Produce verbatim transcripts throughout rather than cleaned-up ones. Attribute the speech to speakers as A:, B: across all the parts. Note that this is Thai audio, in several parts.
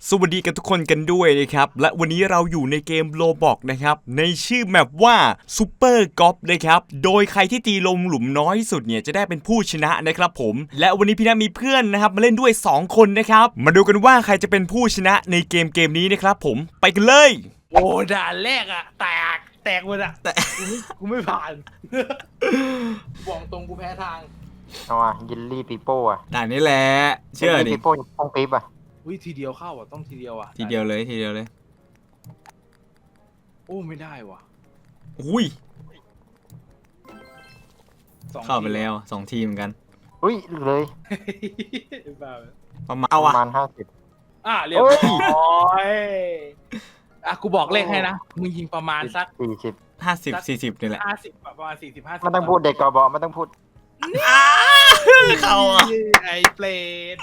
A: สวัสดีกันทุกคนกันด้วยนะครับและวันนี้เราอยู่ในเกม Roblox นะครับในชื่อแมปว่า Super Golf นะครับโดยใครที่ตีลงหลุมน้อยที่สุดเนี่ยจะได้เป็นผู้ชนะนะครับผมและวันนี้พี่นามีเพื่อนนะครับมาเล่นด้วยสองคนนะครับมาดูกันว่าใครจะเป็นผู้ชนะในเกมเกมนี้นะครับผมไปกันเลย
B: โอ้ด่านแรกอะแตกแตกหมดอะแต่กูไม่กูไม่ผ่านบอกตรงกูแพ้ทาง
C: เอาอ่ะยินลี่ปีโป้อะ
A: ด่านนี้แหละเชื่อดิ
C: ปีโป้ป้องปี๊บอะ
B: วิทีเดียวเข้าอ่ะต้องทีเดียวอ่ะ
A: ทีเดียวเลยทีเดียวเลย
B: โอ้ไม่ได้ว่ะ
A: อุ้ยเข้าไปแล้วสองทีมกัน
C: อุ้ยเลย
A: ประมาณเอาอะ
C: ประมาณห้าสิบ
B: อ่ะเรียบร้อยอ่ะกูบอกเลขให้นะมึงยิงประมาณสัก
C: สี่สิบ
A: ห้าสิบสี่สิบนี่แหละ
B: ห้าสิบประมาณสี่สิบห้าสิบ
C: ไม่ต้องพูดเด็กกบไม่ต้องพูด
A: เข้าอ่ะ
B: ไอ้เปรต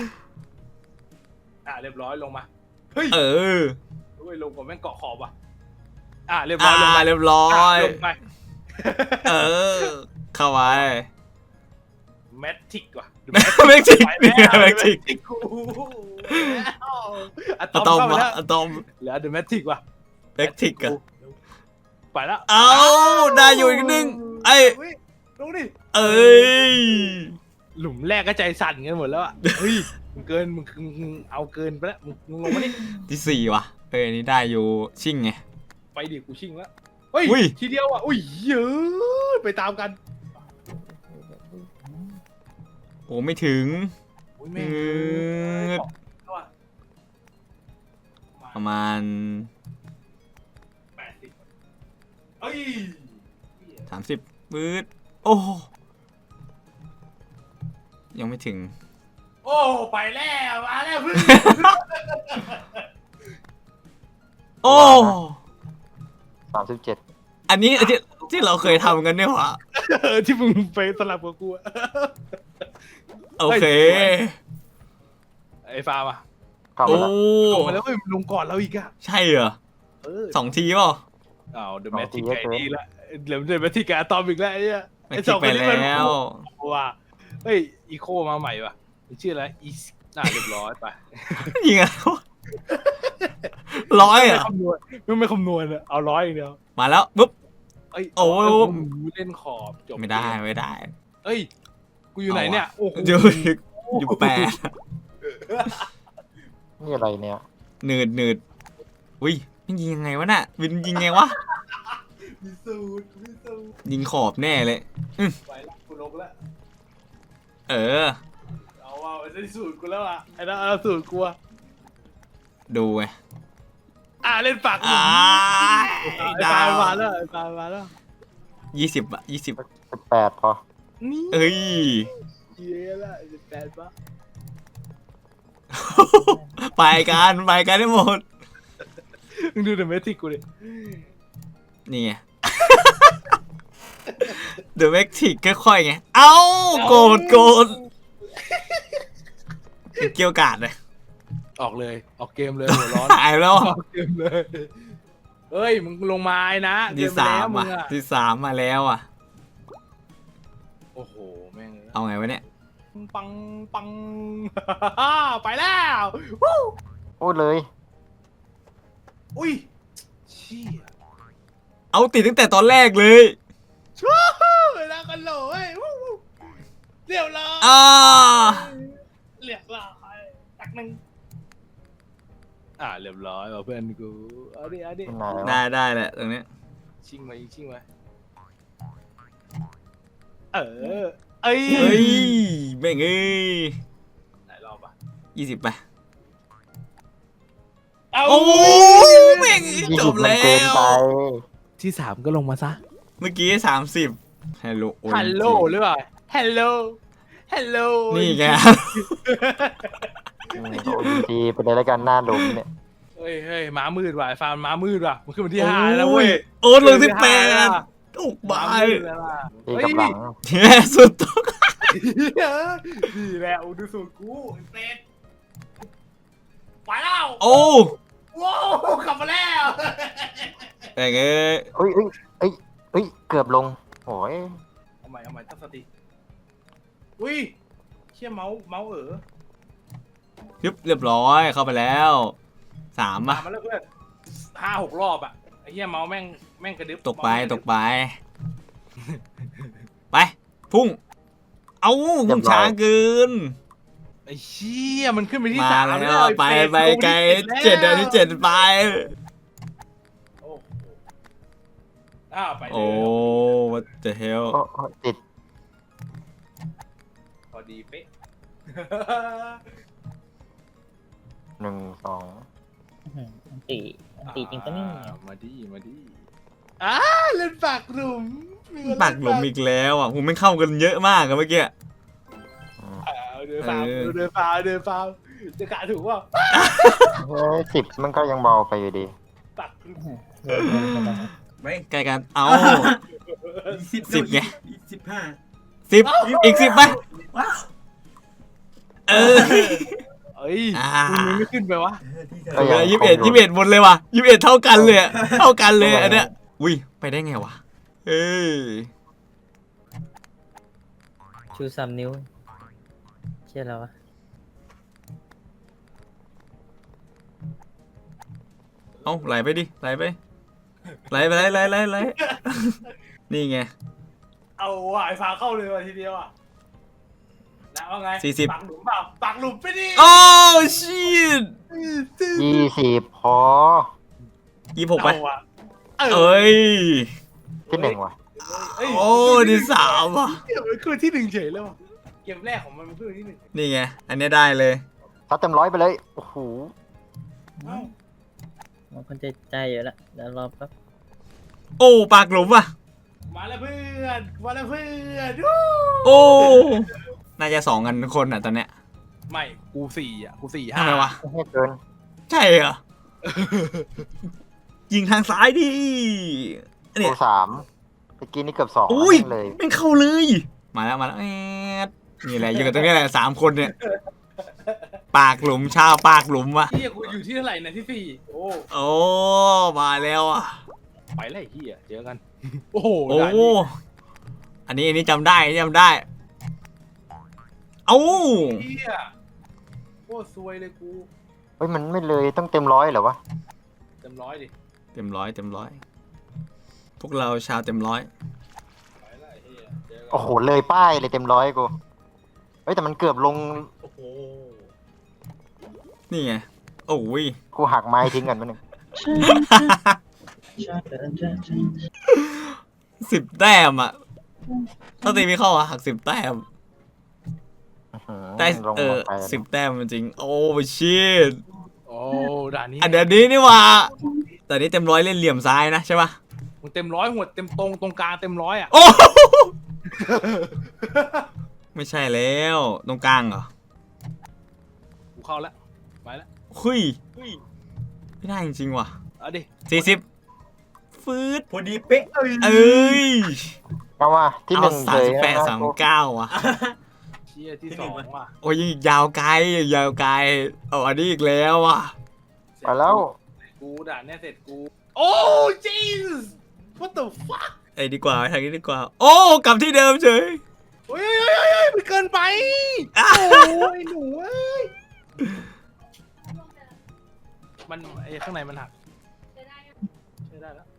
B: อ่ะเรียบร้อยลงมาเฮ้ย
A: เออ
B: เฮ้ยลงผมแม่งเกาะขอบว่ะอ่ะเรียบร้อยลง
A: มาเรียบร้อย
B: ลงไป
A: เออเข้าไป
B: แมททิกว่ะ
A: แมททิกแมททิกอะตอมวะอะตอม
B: เหลือเดอะแมททิกว่ะ
A: แมททิกอะ
B: ไปแล้ว
A: เอาได้อยู่อีกนึงไอ้
B: ลงดิ
A: เอ้ย
B: หลุมแรกก็ใจสั่นกันหมดแล้วอ่ะเฮ้ยมึงเกินมึงมึงเอาเกินไปแล้วมึงลงมาดิ
A: ที่สี่ว่ะเอ้ยนี่ได้อยู่ชิ่งไง
B: ไปดิกูชิ่งแล้วเฮ้ยทีเดียวอ่ะอุ้ยเยอะไปตามกัน
A: โอ้ไม่ถึงประมาณ
B: แปดสิบเฮ้ย
A: สามสิบปื๊ดโอ้ยังไม่ถึง
B: โอ้ไปแล้วมาแล้วเพื่อน
A: โอ้
C: สามสิบเจ็ด
A: อันนี้ที่ที่เราเคยทำกันเนี่ยหรอ
B: ที่มึงไปสลับกับกู
A: โอเค
B: ไอ้ฟาร์มอ่ะ
A: โอ้
B: ลงมาแล้วลงก่อนเราอีกอ่ะ
A: ใช่เหรอสองทีป่ะ
B: อ้าวเดอะแมททิกไอ้นี่ละเดี๋ยวเดอะแมททิกกับอะตอมอีกแล้วไอ้เนี่ย
A: ไอ้สองคนนี้มัน
B: ว่าเฮ้ยอีโคมาใหม่ว่ะชื่ออะไรอีน่าเรียบร้อยไป
A: ยิงอ่ะร้อยอ่ะ
B: ไม่ไม่คำนวณอะเอาร้อยอย่างเดียว
A: มาแล้วปุ๊บ
B: โอ้เล่นขอบจบ
A: ไม่ได้ไม่ได้
B: เอ้ยกูอยู่ไหนเนี่ยโอ้
A: อยู่อยู่แปด
C: นี่อะไรเนี่ย
A: หนืดหนืดอุ้ยยิงยังไงวะน่ะวินยิงไงวะยิงขอบแน่เลย
B: ไปละกูลงแล้ว
A: เออ
B: เอาว่าไอ้สูตรกูแล้วอ่ะไอ้นั่นเอาสูตรกู
A: ดูไง
B: อ่าเล่นปาก
A: อ่า
B: ดาวมาแล้วดาวมาแล้ว
A: ยี่สิบอะยี่สิบ
C: สิบแปดพอ
A: เอ้ย
B: เย้ละสิบแปดปะ
A: ไปกันไปกันได้หมด
B: มึงดูเดอะแมททิกกูดิ
A: นี่ไงเดอะแมททิกค่อยๆไงเอ้าโกรธโกรธเกี่ยวกาดเลย
B: ออกเลยออกเกมเลยหัวร้อน
A: ตายแล้ว
B: ออกเกมเลยเฮ้ยมึงลงมาไอ้นะ
A: ที่สามอ่ะที่สามมาแล้วอ่ะ
B: โอ้โหแม่ง
A: เอาไงวะเนี่ย
B: ปังปังไปแล้ว
C: โอ้เลย
B: อุ้ยเชี่ย
A: เอาติดตั้งแต่ตอนแรกเลย
B: ชู้แล้วกันเลยเรียบร้อย
A: อ่า
B: เรียบร้อยตักหนึ่งอ่าเรียบร้อยเพื่อนกูเอาดิเอาดิ
A: ได้ได้แหละตรงนี้
B: ชิงมาอีกชิงมาเออเอ้ย
A: เฮ้ยแม่งเอ้ย
B: ไหนรอบอ่ะ
A: ยี่สิบไป
B: โอ้
A: แม่งจบแล้ว
B: ที่สามก็ลงมาซะ
A: เมื่อกี้สามสิบฮัลโหล
B: ฮัลโหลหรือเปล่าฮัลโหลฮัลโหล
A: นี่ไง
C: โอ้ดีไปเลยแล้วกันหน้าหลุมเนี่ย
B: เฮ้ยเฮ้ยม้ามืดว่ะฟาร์มม้ามืดว่ะมันขึ้นมาที่ห้าแล้วเว้ย
A: โอ้ลงที่แปดถูกบาย
C: ตีกับหลัง
A: แย่สุดต้อง
B: ดีแล้วดูสูตรกูเป็ดไปแล้ว
A: โอ้
B: ว้าวกลับมาแล้ว
A: แต่เงี้ย
C: เฮ้ยเฮ้ยเฮ้ยเฮ้ยเกือบลงโอ้ย
B: เอาใหม่เอาใหม่ตั้งสติอุ้ยเชี่ยเมาส์เมาส์เออ
A: ยึบเรียบร้อยเข้าไปแล้วสาม
B: มา
A: อ่ะ
B: มาแล้วเพื่อนห้าหกรอบอะไอ้เหี้ยเมาส์แม่งแม่งกระดึบ
A: ตกไป
B: เมาส์แม่ง
A: ตกไป ไปพุ่ง เอาพุ่งช้าเกิน
B: ไอ้เชี่ยมันขึ้นไปที่
A: มา
B: สาม
A: แล้ว
B: อ้
A: ไป
B: เฟส
A: ไป
B: กู
A: ไกล
B: ที่
A: เจ็ดเดือน
B: แล้ว
A: ที่เจ็ดไป
B: โอ้โหอ้าวไปเลย
A: โอ้ what the hell
C: โอ้โอ้ติด
B: พอดีเป๊ะ
C: หนึ่งสอง
D: อันตีอันตีจริงปะเนี่ย
B: อ่ามาดีมาดีอ้าเล่นปากหลุมมีคนเล่น
A: ปากหลุมอีกแล้วอ่ะผมไม่เข้ากันเยอะมากอะเมื่อกี้
B: อ้าวเดินฟาว
A: เออ
B: เดินฟาวเดินฟาวจะกะถูกว่า
C: เฮ้ยสิบมันก็ยังเบาไปอยู่ดี
B: ปากหลุม
A: ใกล้กัน เอา
E: สิบ
A: สิบไง
E: สิบห้า
A: สิบอีกสิบไปเออ
B: เอ้ย
A: อ่า
B: คุณยังไม่ขึ้นไปวะ
C: ก็
A: เอ
C: ยัง
A: อยี่สิบเอ็ดยี่สิบเอ็ดหมดเลยว่ะยี่สิบเอ็ดเท่ากันเลยอะเท่ากันเลยอันเนี้ยอุ้ยไปได้ไงวะเอ้ย
D: ชูสามนิ้วเชื่อแล้ววะ
A: เอาไหลไปดิไหลไปไหลไปไหลไหลไหลไหลนี่ไง
B: เอาว่ะไอ้ฟาวเข้าเลยว่ะทีเดียวอ่ะแล้วว่าไง
A: สี่สิบ
B: ปากหลุมเปล่าปากหลุมไปดิ
A: โอ้ชิต
C: ยี่สิบพอ
A: ยี่หกไป
B: เอาว่ะ
A: เอ้ย
C: ที่หนึ่งว่ะ
B: เอ้ย
A: โอ้ที่สามว่ะ
B: เกมมันขึ้นที่หนึ่งเฉยเลยว่ะเกมแรกของมันมันขึ้นที่หนึ่ง
A: นี่ไงอันเนี้ยได้เลย
C: ถ้าเต็มร้อยไปเลย โอ้โห
B: เอ้า
D: มันคนใจใจอยู่แล้วเดี๋ยวรอแป๊บ
A: โอ้ปากหลุมว่ะ
B: มาแล้วเพื่อนมาแล้วเพื่อนวู้
A: โอ้น่าจะสองกันทุกคนอ่ะตอนเนี้ย
B: ไม่กูสี่อ่ะกูสี่
A: ทำ
B: ห้า
A: ไมวะ
C: ไม่ให้เกิน
A: ใช่เหรอยิงทางซ้ายดิเนี่
C: กู
A: ย
C: สามเมื่อกี้นี่เกือบสอง
A: อุ้ย
C: เลย
A: ไม่เข้าเลย มาแล้วมาแล้วแอดนี่แหละอยู่กันตรงนี้แหละสามคนเนี่ย ปากหลุมชาวปากหลุมว่ะ
B: เฮียกูอยู่ที่เท่าไหร่นะที่สี่โอ้
A: โอ้มาแล้วอ่ะ
B: ไปเลยเฮียเจอกัน โอ้โห
A: โอ้
B: ด่านนี้
A: อันนี้อันนี้จำได้อันนี้จำได้ เอ้า
B: เฮียโคตรซวยเลยกู
C: เฮ้ยมันไม่เลยต้องเต็มร้อยเหรอวะ
B: เต็มร้อยดิ
A: เต็มร้อยเต็มร้อยพวกเราชาวเต็มร้อย
B: ไปเลยเฮียเจอกัน
C: โอ้โหเลยป้ายเลยเต็มร้อยกูเฮ้ยแต่มันเกือบลง
B: โอ้โห
A: นี่ไงโอ้ย
C: กูหักไม้ทิ้งกันมาหนึ่ง
A: สิบแต้มอ่ะถ้าตีไม่เข้าอ่ะหักสิบแต้ม
C: อื้อหือ
A: ได้
C: ลง
A: เออ
C: ลงไป
A: สิบแต้มจริงโอ้ชิต
B: โอ้ด่านนี้
A: อันเดี๋ยวนี้นี่หว่าแต่นี้เต็มร้อยเล่นเหลี่ยมซ้ายนะใช่ปะ
B: มึงเต็มร้อยหัวเต็มตรงตรงกลางเต็มร้อยอ่ะ
A: โอ้ ไม่ใช่แล้วตรงกลางเหรอ
B: กูเข้าแล้วไปแล้ว
A: คุยไม่ได้จริงๆว่ะ
B: เอาดิ
A: สี่สิบฟืด
E: พอดีเป๊ะ
A: เอ้ย
C: เอาว่าที่ห
A: เอา
C: นึ่ง
A: สา
C: เล
A: ม
C: ย
A: สิบแปด
C: นะ
A: สามเก้าว่ะ
B: เชียที่สองว่ะ
A: โอ้ยยังอีกยาวไกลยังยาวไกลเอาอันนี้อีกแล้วว่ะ
C: ไปแล้ว
B: กูด่านเนี้ยเสร็จกูโอ้ jeez what the fuck
A: ไอ้ยดีกว่าทางนี้ดีกว่า โอ้กลับที่เดิมเฉย
B: เฮ้ยเฮ้ยเฮ้ยเฮ้ยมันเกินไป
A: อ่ะ
B: โอ้ยหนูเอ้ยมันไอ้ข้างในมันหักใช้ได้แล้ว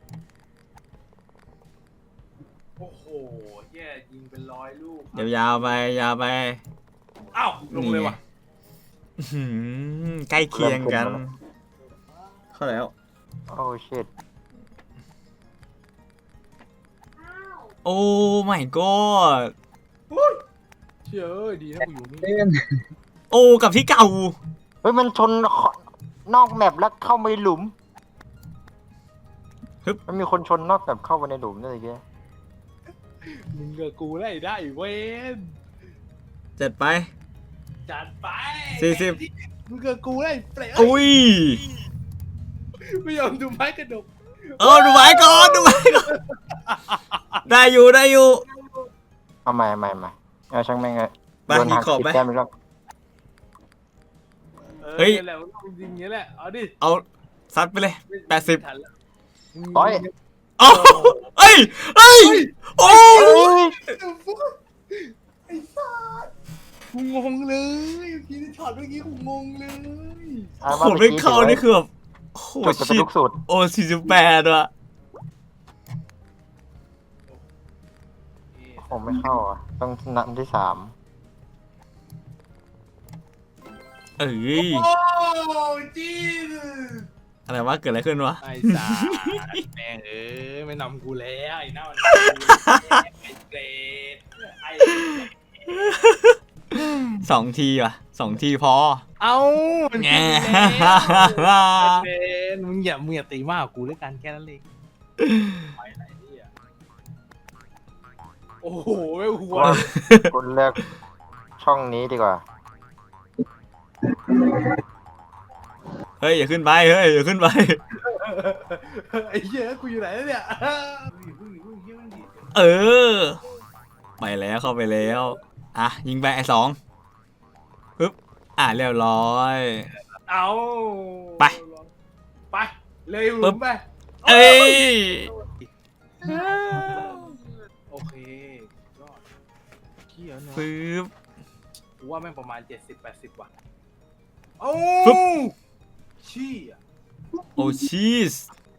B: โอ้โหแย่ยิงเป็นร้อยลูก
A: เดี๋ยวยาวไปยาวไป
B: อ้าวลงเลยว่ะ
A: อื้อหือใกล้เคียงกัน เข้าแล้ว
C: โอ้ชิต
A: โอ้ my god
B: เชื่อเอ้ยดีนะกูอยู่นี่
A: โอ้กับที่เก่า
C: เฮ้ยมันชนนอกแมปแล้วเข้าไปหลุม
A: ฮึบ
C: มันมีคนชนนอกแมปเข้าไปในหลุมด้วยแก
B: มึงกับกูได้ได้เว้น
A: เจ็ดไป
B: จัดไป
A: สี่สิบ
B: มึงกับกูได้เปรย์
A: อุ้ย
B: ไม่ยอมดูไม้กระดก
A: เออดูไว้ก่อนดูไว้ก่อน ได้อยู่ได้อยู่
C: เอาใหม่เอาใหม่เอาใหม่เอาช่างแม่งเลย
A: ไป
C: โดนหัก
A: มีขอบ
C: สิบ
A: ไหม
C: แต้มอีกแล้ว
A: เฮ้ย
B: ออนี่แหละมันต้องจริงๆอย่างนี้แหละเอาดิ
A: เอาซัดไปเลย แปดสิบ
B: ไม่ทันแล้ว
C: ร้อย
A: โอ้เอ้ยเอ้ย โอ้
C: เฮ้ย
B: ไอ้สัสกูงงเลยเมื่อกี้ช็อตเมื่อกี้กูงงเลย
C: อ่ะ
A: โอ้โหไม่เข้านี่คือแบบโอ้โห
C: จุดจะเป็น
A: ชิ
C: ลูกสุด
A: โอ้สี่สิบแปดว่ะ
C: ผมไม่เข้าอ่ะ ต้องนัดที่สาม
A: เอ้ย
B: โอ้จีน
A: อะไรวะเกิดอะไรขึ้นวะ
B: ไอ้สาแม่งเอ้ยไม่นำกูแล้วไอ้หน้ามันไอ้เกรดไอ้
A: สองทีว่ะสองทีพอ
B: เอามัน
A: แง
B: กินแล้วเกรดมึงอย่ามึงอย่าตีมากกว่ากูด้วยกันแค่นั้นเองไปไหนเนี่ยโอ้โหไม่หัว
C: ว่าคุณเลือกช่องนี้ดีกว่า
A: เฮ้ยอย่าขึ้นไปเฮ้ยอย่าขึ้นไป
B: ไอ้เหี้ยกูอยู่ไหนแล้วเนี่ยพึ่งพึ่งเหี้ยมันดี
A: เออ ไปแล้วเข้าไปแล้ว อ่ะ ยิงไปไอ้สองปึ๊บ อ่ะเรียบร้อย
B: เอา
A: ไป
B: ไปเลยห
A: ปึ๊
B: ลุ
A: บ
B: มไป
A: เอ้ย
B: โอเคยอดเขี้ยวเนอะ
A: ปึ๊บ
B: กูว่าแม่งประมาณเจ็ดสิบแปดสิบว่ะเอ้า
A: ปึ๊บ
B: ชี้อ่ะ
A: โอ้ชีส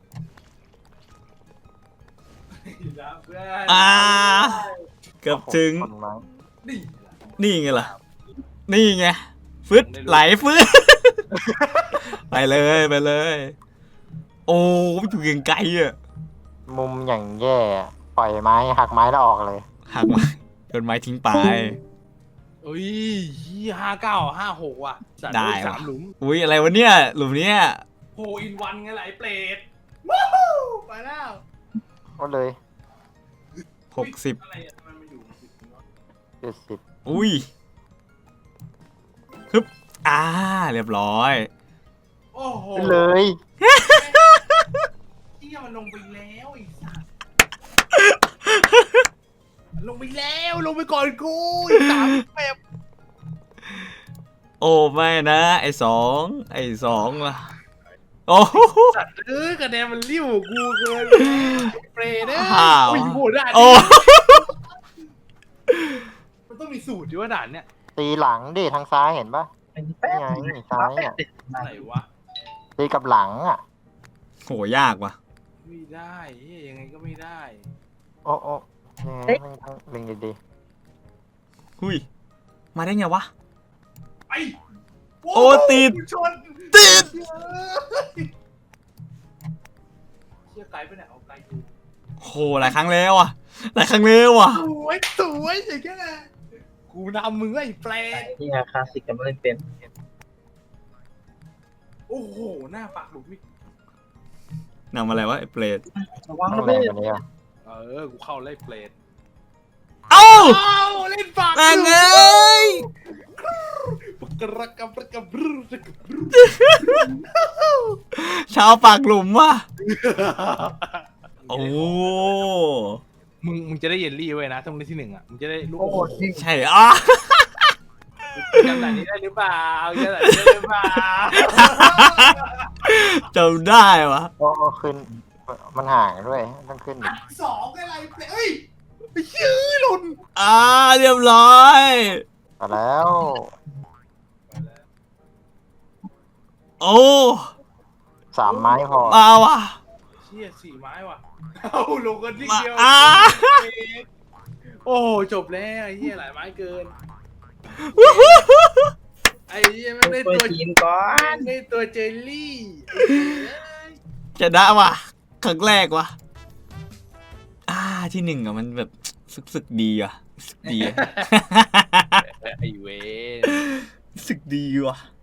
B: นะเพื่อน
A: อ่า เกือบถึง
C: คนไม้
B: นี่
A: นี่ไงล่ะ นี่ไง ฟึดไหลฟึด ไปเลยไปเลย โอ้อยู่เก่งไกลอ่ะ
C: มุมอย่างแย่ ปล่อยไม้หักไม้แล้วออกเลย
A: หักไม้โดนไม้ทิ้งไป
B: เอ้ยยี่ห้าเก้าห้าหกว่ะสัตว์
A: ได้
B: สา
A: ว่ะ
B: มหลุม
A: อุ้ยอะไรวะเนี่ย หลุมเนี้ย
B: โฮอินวันไงไหลเปรตว้าวไปแล้ว
C: ก็เลย
A: หกสิบ
B: อะไรอ่ะทำไมมันอยู่สิบวะ
C: เจ็ดสิบ
A: อุ้ยฮึบอ่า เรียบร้อย
B: โอ้โห
C: เลย
B: เที่ยมันลงไปแล้วไอ้สัสลงไปแล้วลงไปก่อนกูอีกสามแบบ
A: โอ้ไม่นะ ไอสองไอสองล่ะ โอ้โห
B: สัตว์เอ้ยคะแนนมันริ้วกูเกินไปเปรตเอ้ย
A: อ้าว
B: โอ้ยโหด่าน
A: โอ้
B: นี้มันต้องมีสูตรด้วยว่าด่านเนี้ย
C: ตีหลังดิทางซ้ายเห็นปะนี่ไงซ้ายอ่ะ
B: อะไรวะ
C: ตีกับหลังอ่ะ
A: โหยากว่ะ
B: ไม่ได้เฮ้ยยังไงก็ไม่ได้
C: โอ้โอ้ยังไงไม่ต้องเล็งดี
A: หุยมาได้ไงวะ
B: ไป
A: โอ้ติด
B: กูชน
A: ติด
B: เชี่ยไกลไปไหนเอาไกลกู
A: โหหลายครั้งแล้วอ่ะ หลายครั้งแล้วอ่ะ
B: สวยสวยอย่างเงี้ยนะกูนำมึงไอ้เปรต
D: ที่คลาสสิกกับเล่นเป็น
B: โอ้โหหน้าปากหลุมอีก
A: นำอะไรวะไอเปรต
D: ระวั
C: ๆ
D: ง
C: ต้อ
D: นะ
C: งแร
D: เพื่
C: ง
D: อน
C: กว่านี้อ่ะ
B: เออกูเข้าไล่เปรต
A: เอ้า
B: เอ้าเล่นปาก
A: แม่ง
B: ห
A: เอ
B: ลุม้
A: ย
B: กระกับกระกับบรึ้กระกับ รึ้
A: ชาวปากหลุมว่ะ โอ้
B: มึงมึงจะได้เยลลี่ไว้นะถ้ามึงได้ที่หนึ่งอ่ะมึงจะได้ลูก
D: โอ้โหจริง
A: ใช่อ่ะ
B: จำไหนนี้ได้หรือเปล่าจำไหนนี้ได้หรือเปล่า
A: จำได้วะ
C: โอ้โอ้ขึ้น มันห่างด้วย ต้องขึ้นอีก
B: สองอะไรเปรตเอ้ยไอ้เหี้ยหล่น
A: อ่าเรียบร้อย
C: มาแล้ว
A: โอ้
C: สามไม้พอ
A: มาว่ะ
B: เชี่ยสี่ไม้ว่ะเอาลงกันทีเดียว
A: มาอ่า
B: โอ้โหจบแล้วไอ้เหี้ยหลายไม้เกิน ไอ้เหี้ยไม่ได้
D: ตัว
B: ตัว
D: จีนก่อน
B: ไม่ได้ตัวเจลลี่
A: ชนะว่ะครั้งแรกว่ะ อ่าที่หนึ่งอ่ะมันแบบสึกสึกดีอ่ะสึกดีอะ
B: ไอ้เวน
A: สึกดีว่ะ